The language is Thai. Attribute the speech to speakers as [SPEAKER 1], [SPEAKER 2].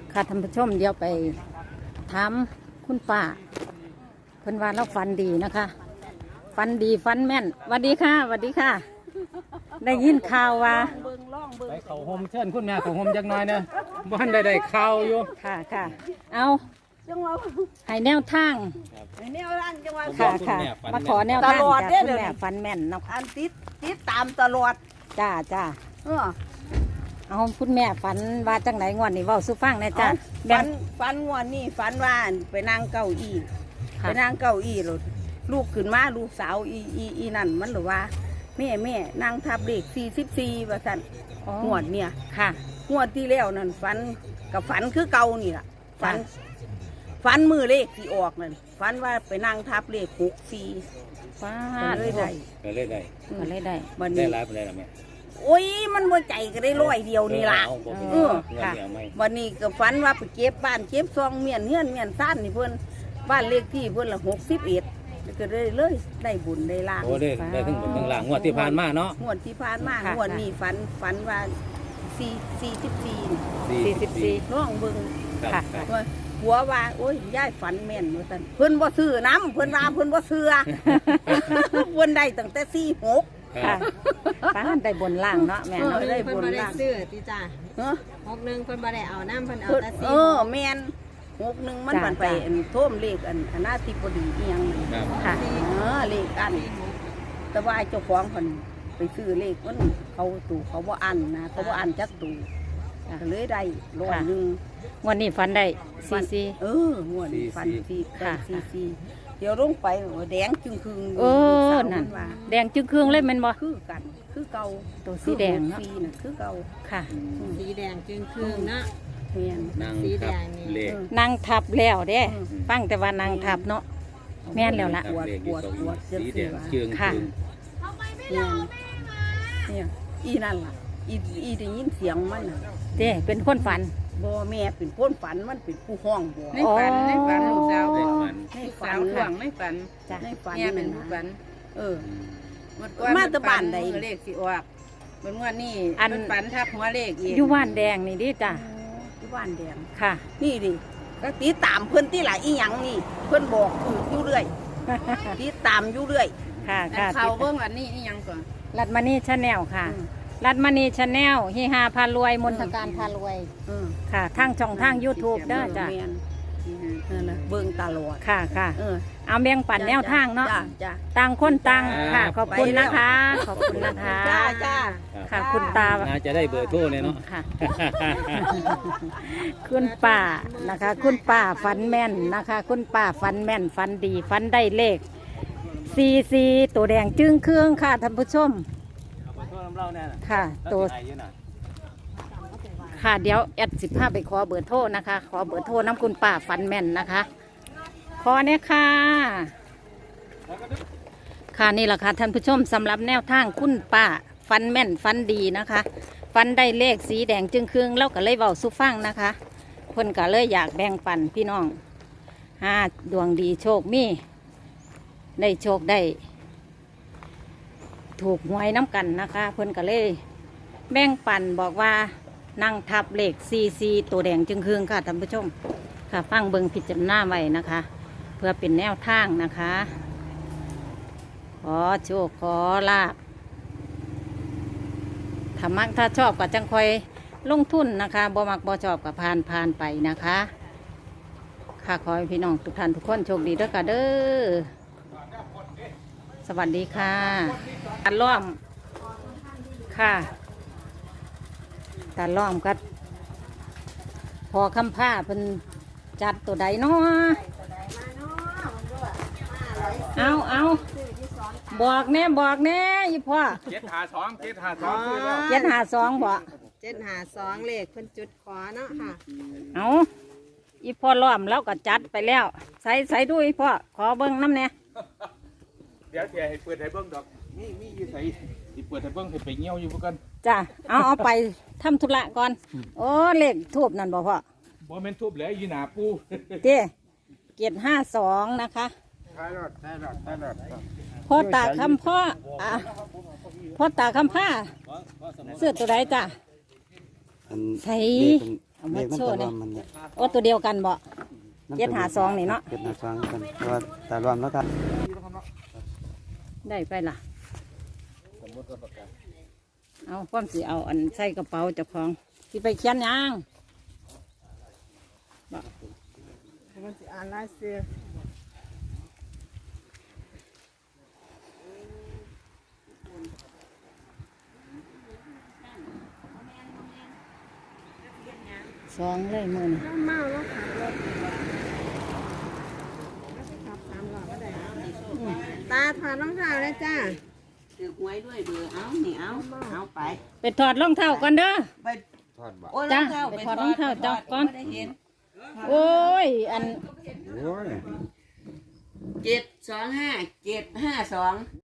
[SPEAKER 1] ค่ะท่านผู้ชมเดี๋ยวไปถามคุณป้าเพิ่นว่าเราฝันดีนะคะฝันดีฝันแม่นสวัสดีค่ะสวัสดีค่ะ ได้ยินข่าวว่า
[SPEAKER 2] ไปเขาโฮมเชิญคุณแม่เขาโฮมจักหน่อยนะบ้านได้ข่าวอยู่
[SPEAKER 1] ค่ะค่ะเอาให้แนวทาง
[SPEAKER 3] แนวร่างจังหวะ
[SPEAKER 1] ค่ะค่ะมาขอแนวทางจากคุณแม่ฝันแม่นเนาะ
[SPEAKER 3] อันติดตามตลอด
[SPEAKER 1] จ้าจ้าเอาคุณแม่ฝันว่าจังไหนงวดนี้เว้าสู่ฟังนะจ้า
[SPEAKER 3] ฝันงวดนี้ฝันว่าไปนั่งเก้าอี้ไปนั่งเก้าอี้ลูกขึ้นมาลูกสาวอีนั่นมันหรือว่าแม่นั่งทับเด็ก44ว่าสั่นงวดเนี่ย
[SPEAKER 1] ค่ะ
[SPEAKER 3] งวดที่แล้วนั่นฝันกับฝันคือเก่านี่ล่ะฝันมือเลขที่ออกนั่นฝันว่าไปนั่งทับเลข64
[SPEAKER 1] ว้า
[SPEAKER 3] เลยได้
[SPEAKER 2] ก็เลยได้
[SPEAKER 1] ก็เลยได้
[SPEAKER 2] ได้รับได้ละแม่
[SPEAKER 3] โอ้ยมันบ่ใจก็ได้100เดียวนี่ล่ะ
[SPEAKER 1] ค่ะ
[SPEAKER 3] วันนี้ก็ฝันว่าไปเก็บบ้านเก็บซองเมียนเฮือนเมียนซ่านนี่เพิ่นบ้านเลขที่เพิ่นละ61ก็เลยได้บุญได้ลาง
[SPEAKER 2] โอ้ได้ทั้งบนทั้งล่างงวดที่ผ่านมาเนาะ
[SPEAKER 3] งวดที่ผ่านมางวดนี้ฝันว่า44น้องเบิ่ง
[SPEAKER 1] ค่ะ
[SPEAKER 3] หัวว่าโอ้ยยายฝันแม่นว่าซั่นเพิ่นบ่ซื้อน้ำเพิ่นว่าเพิ่นบ่เชื่อเพิ่นได้ตั้งแต่46
[SPEAKER 1] ค่ะป้าได้บนล่างเนาะแม่เนาะ
[SPEAKER 3] ได้บน
[SPEAKER 4] ล่างซื้อติจ้า61เพิ่นบ่ได้เอาน้ำเพิ่นเอาแต่
[SPEAKER 3] 4แม่น61มันมันไปท่วมเลขอนาธิบดีอีหยัง
[SPEAKER 1] ค่ะ
[SPEAKER 3] เลขอันแต่ว่าเจ้าของเพิ่นไปซื้อเลขมันเขาตู่เขาบ่อันนะเขาบ่อันจักตู่ก็เลยได้100
[SPEAKER 1] วันนี้ฟันได้
[SPEAKER 3] งวดนี้ฟันได้44เดี๋ยวลงไปแดงจึงคืน
[SPEAKER 1] นั่นแดงจึงคืนเลยแม่นบ่
[SPEAKER 3] คือกันคือเก่า
[SPEAKER 1] ตัวสีแดงเนาะ
[SPEAKER 3] คือเก่า
[SPEAKER 1] ค่ะ
[SPEAKER 4] สีแดงจึงคืนเนาะ
[SPEAKER 3] แม่น
[SPEAKER 4] สีแดงนี่
[SPEAKER 1] นางทับแล้วเด้ฟังแต่ว่านางทับเนาะแม่นแล้วล่ะ
[SPEAKER 3] ปวด
[SPEAKER 2] สีแดงจึง
[SPEAKER 1] ค่ะ
[SPEAKER 3] เนี่ยอีนั่นล่ะอีได้ยินเสียงมันน่ะ
[SPEAKER 1] เด้เป็นคนฝัน
[SPEAKER 3] บ่แม่เป็นคนฝันมันเป็นผู้ห้องบ่
[SPEAKER 4] ในฝันลูกสาว
[SPEAKER 3] ในฝันห่วงในฝัน
[SPEAKER 4] เนี่ยเป็นผู้ฝัน
[SPEAKER 3] มาตะบ้านใด
[SPEAKER 4] เลขสิออกเบิ่งว่านี่อันฝันทับหัวเลขอีก
[SPEAKER 1] อยู่บ้านแดงนี่ดิจ้ะ
[SPEAKER 3] อยู่บ้านแดง
[SPEAKER 1] ค่ะ
[SPEAKER 3] นี่ดิก็ติดตามเพิ่นที่หลายอีหยังนี่เพิ่นบอกอยู่เรื่อยติดตามอยู่เรื่อย
[SPEAKER 1] ค่ะ
[SPEAKER 4] เขาเบิ่งอันนี้อีหยังก่อน
[SPEAKER 1] รัดมานี่ชาแนลค่ะรัดมณีชาแนลฮิฮาพารวยมนทการพารวยค่ะทางช่องทาง YouTube เด้อจ้ะ
[SPEAKER 3] เบิ่งตลอด
[SPEAKER 1] ค่ะเอาแบ่งปันแนวทางเนาะต่างคนต่างค่ะขอบคุณนะคะขอบคุณนะคะ
[SPEAKER 3] จ้า
[SPEAKER 1] ค่ะคุณตา
[SPEAKER 2] จะได้เบอร์โทรเลยเนาะ
[SPEAKER 1] ค่ะคุณป้านะคะคุณป้าฝันแม่นนะคะคุณป้าฝันแม่นฝันดีฝันได้เลข44ตัวแดงจึ้งเครื่องค่ะท่านผู้ชมค่ะตัวค่ะเดี๋ยวแอด15ไปขอเบอร์โทรนะคะขอเบอร์โทรน้ำคุณป้าฟันแม่นนะคะขอเนี่ยค่ะค่ะนี่แหละค่ะท่านผู้ชมสำหรับแนวทางคุณป้าฟันแม่นฟันดีนะคะฟันได้เลขสีแดงจึงครึ่งแล้วก็เลยเบาสุฟังนะคะคนก็เลยอยากแบ่งปันพี่น้องดวงดีโชคมีได้โชคได้ถูกหวยน้ำกันนะคะเพิ่นก็เลยแบ่งปันบอกว่านั่งทับเลข44ตัวแดงจึงครึ่งค่ะท่านผู้ชมค่ะฟังเบิ่งพิจารณาไว้นะคะ เพื่อเป็นแนวทางนะคะขอโชคขอลาภถ้ามักถ้าชอบก็จังคอยลงทุนนะคะบ่มักบ่ชอบก็ผ่านไปนะคะค่ะขอให้พี่น้องทุกท่านทุกคนโชคดีด้วยกันเด้อสวัสดีค่ะตาล้อมค่ะตาล้อมก็พอคำผ้าเป็นจัดตัวใดเนาะเอาบอกแน่อีพ่อ752บ่
[SPEAKER 4] 752เลขเพิ่นจุดขอเนาะค่ะ
[SPEAKER 1] เอาอีพ่อล้อมแล้วก็จัดไปแล้วใส่ดูอีพ่อขอเบิ้งน้ำเนี่ย
[SPEAKER 2] เดี๋ยวให้เปิดให้เบิ้งดอกนี่อยู่ใส่ที่เปิดให้เบิ้งให้ไปเงี้ยวอยู่พวกกัน
[SPEAKER 1] จ้ะเอาไปทำธุระก่อนโอ้เลขทูบนั่นบ่พ่อ
[SPEAKER 2] บ่แม่นทูบแล้วอยู่หน้าปู
[SPEAKER 1] เจ้752นะคะ
[SPEAKER 2] ท้ายรถ
[SPEAKER 1] พ่อตาคำพ่อตาคำผ้าเสื้อตัวใดจ้ะใส่เอามา
[SPEAKER 5] เด็กมัน
[SPEAKER 1] โช
[SPEAKER 5] ตะ
[SPEAKER 1] ว์
[SPEAKER 5] ล
[SPEAKER 1] เนี่
[SPEAKER 5] อย มมันเนี่ย
[SPEAKER 1] โอ้ตัวเดียวกันบ่ 752นี่เนาะ
[SPEAKER 5] 752กันเพราะว่าตาลอมแล้วกัน
[SPEAKER 1] ได้ไปล่ะเอาความสิเอาอันใส่กระเป๋าเจ้าของที่ไปเขียนหยัง
[SPEAKER 3] มันสิอ่านลายเสือ
[SPEAKER 1] สองเลยมือนี่
[SPEAKER 3] เมาแล้วขับรถขับ3 ล้อก็ได้ตาถอดรองเท้าเลยจ้า
[SPEAKER 4] ถือหวยด้วยเบอร์เอานี่เอาไป
[SPEAKER 1] ไปถอดรองเท้าก่อนเด้อ
[SPEAKER 4] ไป
[SPEAKER 2] ทอดบ่
[SPEAKER 4] โอ้ย
[SPEAKER 1] จ้ะ
[SPEAKER 4] รองเท้า
[SPEAKER 1] ไปถอดรองเท้าเจ้าก่อน
[SPEAKER 4] ไม่ได้เห็น
[SPEAKER 1] โอ้ยอัน
[SPEAKER 2] โอ้ย
[SPEAKER 4] 725 752